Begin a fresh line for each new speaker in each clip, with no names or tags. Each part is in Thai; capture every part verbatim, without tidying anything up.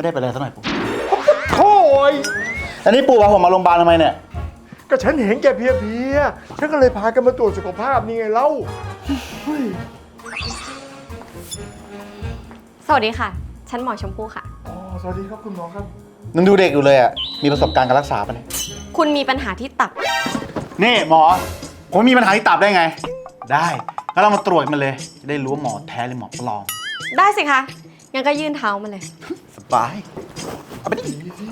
ไม่ได้ไปอะไรสักหน่อยปู่
โถ่ย
อันนี้ปู่พาผมมาโรงพยาบาลทำไมเนี่ย
ก็ฉันเห็นแกเพลียๆฉันก็เลยพากันมาตรวจสุขภาพนี่ไงเล่า
สวัสดีค่ะฉันหมอชมพู่ค่ะ
อ๋อสวัสดีครับคุณหมอครับ
นึงดูเด็กอยู่เลยอ่ะมีประสบการณ์การรักษาปะเนี่ย
คุณมีปัญหาที่ตับ
นี่หมอผมมีปัญหาที่ตับได้ไงได้งั้นเรามาตรวจมันเลยจะได้รู้ว่าหมอแท้หรือหมอปลอม
ได้สิคะงั้นก็ยื่นเท้ามาเลย
สบายเอาไปดิ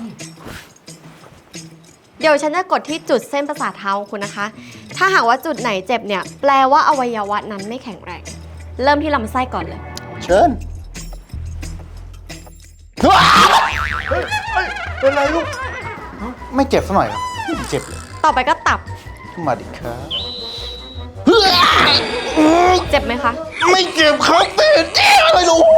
เดี๋ยวฉันจะกดที่จุดเส้นประสาทเท้าคุณนะคะถ้าหากว่าจุดไหนเจ็บเนี่ยแปลว่าอวัยวะนั้นไม่แข็งแรงเริ่มที่ลำไส้ก่อนเลย
เชิญ
เฮ้ยเป็นไรลูก
ไม่เจ็บสักหน่อยครับไม่เจ็บเลย
ต่อไปก็ตับ
มาดิครับ
เจ็บไหมคะ
ไม่เจ็บครับแต่เจ็บอะไรลูก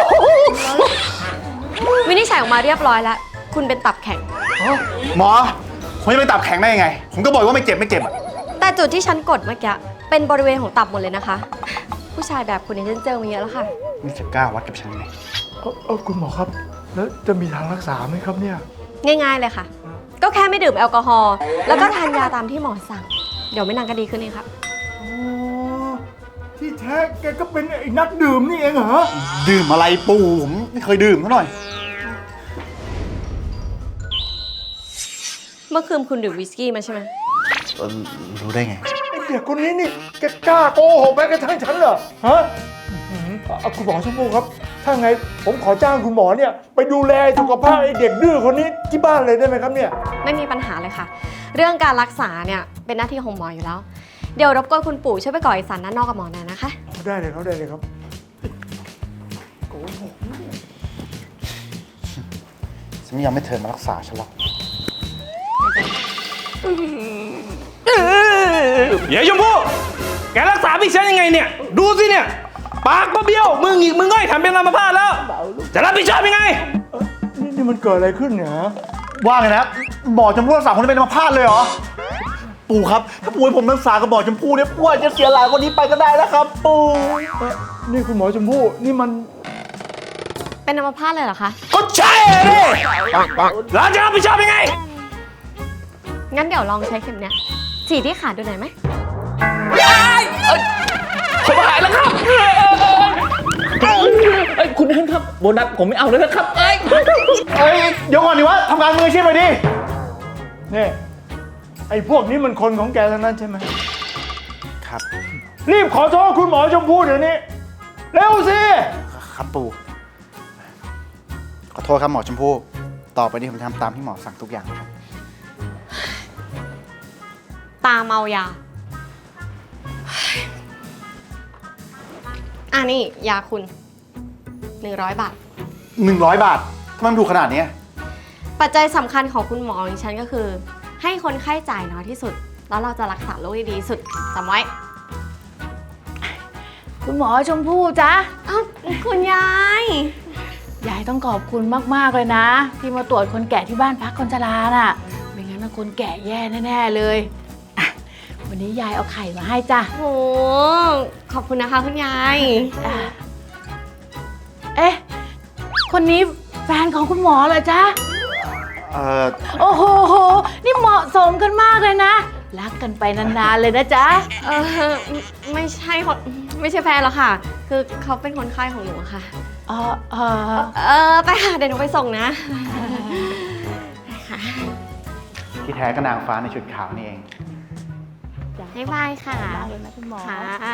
วินิจฉัยออกมาเรียบร้อยแล้วคุณเป็นตับแข็ง
หมอผมจะไปตับแข็งได้ยังไงผมก็บอกว่าไม่เจ็บไม่เจ็บอะ
แต่จุดที่ฉันกดเมื่อกี้เป็นบริเวณของตับหมดเลยนะคะผู้ชายแบบคุณเนี่ยฉันเจอมาเยอะแล้วค่ะ
นี่จะกล้าวัดกับฉันไหม
เออเออคุณหมอครับแล้วจะมีทางรักษาไหมครับเนี่ย
ง่ายๆเลยค่ะก็แค่ไม่ดื่มแอลกอฮอล์แล้วก็ทานยาตามที่หมอสั่งเดี๋ยวไม่นานก็ดีขึ้นเองครับ
อ๋อที่แท้แกก็เป็นไอ้นักดื่มนี่เองเหรอ
ดื่มอะไรปู่ผมไม่เคยดื่มเท่าหน่อย
เมื่อคืนคุณดื่มวิสกี้มาใช่ไหม
รู้ได้ไง
ไอ้เด็กคนนี้นี่แกกล้าโกหกแม้กระทั่งฉันเหรอฮะคุณหมอชมพู่ครับถ้าไงผมขอจ้างคุณหมอเนี่ยไปดูแลสุขภาพไอ้เด็กดื้อคนนี้ที่บ้านเลยได้ไหมครับเนี่ย
ไม่มีปัญหาเลยค่ะเรื่องการรักษาเนี่ยเป็นหน้าที่ของหมออยู่แล้วเดี๋ยวรบกวนคุณปู่ช่วยไปก่อเอกสารด้านนอกกับหมอหน่อยนะคะ
ได้เลยครับได้เลยครับโกหก
ฉันไม่ยอมให้เธอมารักษาฉันหรอก
เดี๋ยวชมพู่แกรักษาพี่ฉันยังไงเนี่ยดูสิเนี่ยปากก็เบี้ยวมึงอีกมึงง่อยทำเป็นอัมพาตแล้วจะรับผิดชอบยังไง
นี่นี่มันเกิดอะไรขึ้นเนี่ย
ว่าไงนะหมอชมพู่รักษาคนที่เป็นอัมพาตเลยเหรอปู่ครับถ้าปู่ให้ผมรักษากับหมอชมพู่เนี่ยปู่อาจจะเสียหลายคนนี้ไปก็ได้นะครับปู่
นี่คุณหมอชมพู่นี่มัน
เป็นอัมพาตเลยเหรอคะ
ก็ใช่เลยแล้วจะรับผิดชอบยังไง
งั้นเดี๋ยวลองใช้เข็มเนี้ยฉีดที่ขาดูหน่อยไหม
ผมหายแล้วครับเอ้ยคุณท่านครับโบนัสผมไม่เอาแล้วนะครับเอ้ย
เอ้ยเดี๋ยวก่อนดิวะทำงานมืออาชีพไปดิ
นี่ไอ้พวกนี้มันคนของแกทั้งนั้นใช่ไหม
ครับ
รีบขอโทษคุณหมอชมพู่เดี๋ยวนี้เร็วสิ
ครับปู่ขอโทษครับหมอชมพู่ต่อไปนี้ผมทำตามที่หมอสั่งทุกอย่างครับ
ตาเมายาอ่ะนี่ยาคุณหนึ่งร้อยบาท
หนึ่งร้อยบาททำไมมันถูกขนาดนี้
ปัจจัยสำคัญของคุณหมอของฉันก็คือให้คนไข้จ่ายน้อยที่สุดแล้วเราจะรักษาโรคได้ดีสุดจำไว้
คุณหมอชมพู่จ๊ะ
อ้าวคุณยาย
ยายต้องขอบคุณมากๆเลยนะที่มาตรวจคนแก่ที่บ้านพักคนชราน่ะไม่งั้นคนแก่แย่แน่ๆเลยวันนี้ยายเอาไข่มาให้จ้ะ
โอ้ขอบคุณนะคะคุณยาย
เอ๊ะคนนี้แฟนของคุณหมอเหรอจ๊ะ
เออ
โอ้โหนี่เหมาะสมกันมากเลยนะรักกันไปนานๆเลยนะจ๊ะ
เออไม่ใช่คนไม่ใช่แฟนหรอกค่ะคือเขาเป็นคนไข้ของหนูค่ะ
อ๋อเออ
เออไปค่ะเดี๋ยวหนูไปส่งนะ
ที่แท้ก็นางฟ้าในชุดขาวนี่เอง
บ๊ายบายค่ะ
คุณหมอ
ค่ะ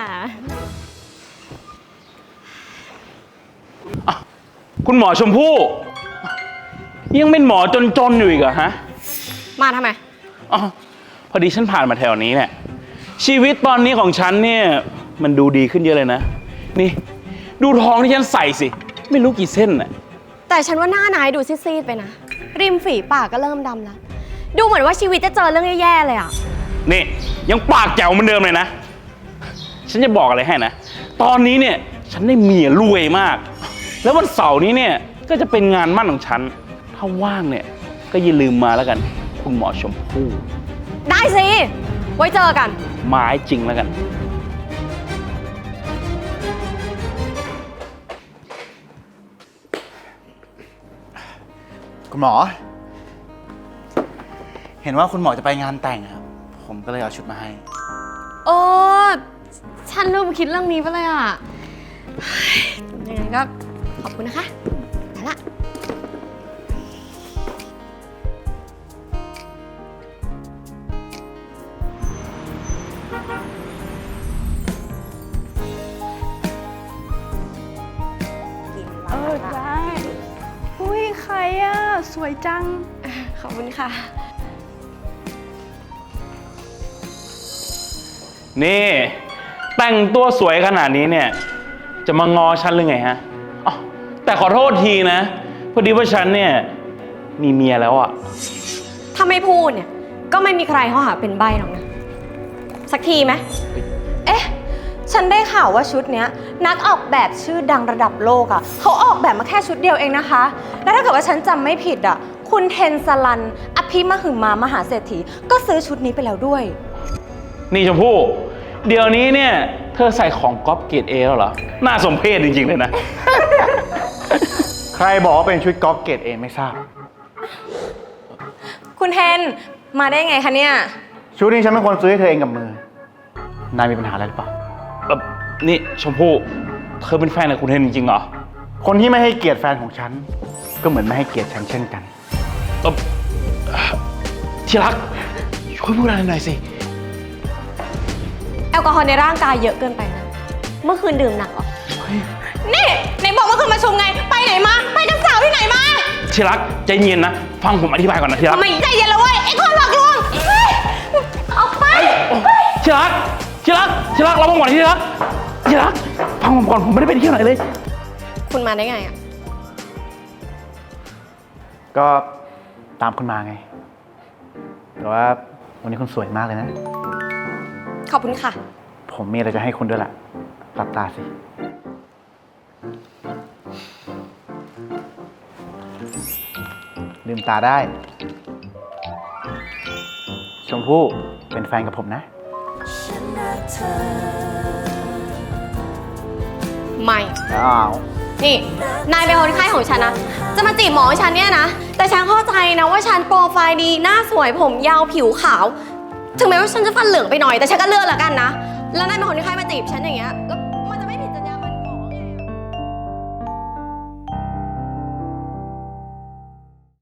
คุณหมอชมพู่ยังเป็นหมอจนๆอยู่อีกเหรอฮะ
มาทำไม
อ๋อพอดีฉันผ่านมาแถวนี้เนี่ยชีวิตตอนนี้ของฉันเนี่ยมันดูดีขึ้นเยอะเลยนะนี่ดูทองที่ฉันใส่สิไม่รู้กี่เส้นน่ะ
แต่ฉันว่าหน้านายดูซีดๆไปนะริมฝีปากก็เริ่มดำแล้วดูเหมือนว่าชีวิตจะเจอเรื่องแย่ๆเลยอ่ะ
นี่ยังปากแจ๋วเหมือนเดิมเลยนะฉันจะบอกอะไรให้นะตอนนี้เนี่ยฉันได้เมียรวยมากแล้ววันเสาร์นี้เนี่ยก็จะเป็นงานมั่นของฉันถ้าว่างเนี่ยก็อย่าลืมมาแล้วกันคุณหมอชมพู่
ได้สิไว้เจอกัน
ไม้จริงแล้วกัน
คุณหมอ เห็นว่าคุณหมอจะไปงานแต่งครับ ผมก็เลยเอาชุดมาให้
โอ้ฉันลืมคิดเรื่องนี้ไปเลยอ่ะเฮ้ยยังไงก็ขอบคุณนะคะไปละ
เออได้อุ้ยใครอ่ะ สวยจัง
ขอบคุณค่ะ
นี่ แต่งตัวสวยขนาดนี้เนี่ย จะมางอฉันหรือไงฮะอ๋อแต่ขอโทษทีนะ พอดีว่าฉันเนี่ย มีเมียแล้วอะ
ถ้าไม่พูดเนี่ย ก็ไม่มีใครเขาหาเป็นใบหรอกนะ สักทีไหม
เอ๊ะ ฉันได้ข่าวว่าชุดเนี้ยนักออกแบบชื่อดังระดับโลกอะ่ะเขาออกแบบมาแค่ชุดเดียวเองนะคะ แล้วถ้าเกิดว่าฉันจำไม่ผิดอะ่ะ คุณเทนสลัน อภิมหึมามหาเศรษฐี ก็ซื้อชุดนี้ไปแล้วด้วย
นี่ชมพู่ เดี๋ยวนี้เนี่ย เธอใส่ของก๊อปเกรดเอแล้วเหรอ น่าสมเพชจริงๆเลยนะ
ใครบอกว่าเป็นชุดก๊อฟเกรดเอไม่ทราบ
คุณเทนมาได้ไงคะเนี่ย
ชุดนี้ฉันเป็นคนซื้อให้เธอเองกับมือ นายมีปัญหาอะไรหรือเปล่า
เอ่อนี่ชมพู่ เธอเป็นแฟนกับคุณเทนจริงๆเหรอ
คนที่ไม่ให้เกียรติแฟนของฉัน ก็เหมือนไม่ให้เกียรติฉันเช่นกัน
เอ่อที่รัก ช่วยพูดอะไรหน่อยสิ
แอลกอฮอล์ในร่างกายเยอะเกินไปนะ เมื่อคืนดื่มหนักเหรอ
นี่ไหนบอกว่าคุณมาชุมไง ไปไหนมา ไปกับสาวที่ไหนมา
ที่รักใจเย็นนะ ฟังผมอธิบายก่อนนะที่รัก
ทำไมใจเย็นแล้วเว้ยไอ้คนหลอกลวงเฮ้ยออกไป
ที่รักที่รักที่รักเรามาก่อนที่รักที่รักฟังผมก่อนผมไม่ได้ไปเที่ยวไหนเลย
คุณมาได้ไงอ่ะ
ก็ตามคุณมาไง แต่ว่าวันนี้คุณสวยมากเลยนะ
ขอบคุณค่ะ
ผมมีอะไรจะให้คุณด้วยล่ะหลับตาสิ ลืมตาได้ ชมพู่เป็นแฟนกับผมนะ
ไม่
อ้าว
นี่ นายเป็นคนไข้ของฉันนะ จะมาจีบหมอให้ฉันเนี่ยนะ แต่ฉันเข้าใจนะว่าฉันโปรไฟล์ดี หน้าสวย ผมยาว ผิวขาว ถึงแม้ว่าฉันจะฟันเหลืองไปหน่อย แต่ฉันก็เลือกแล้วกันนะ แล้วนายเป็นคนไข้มาจีบฉันอย่างเงี้ย แล้ว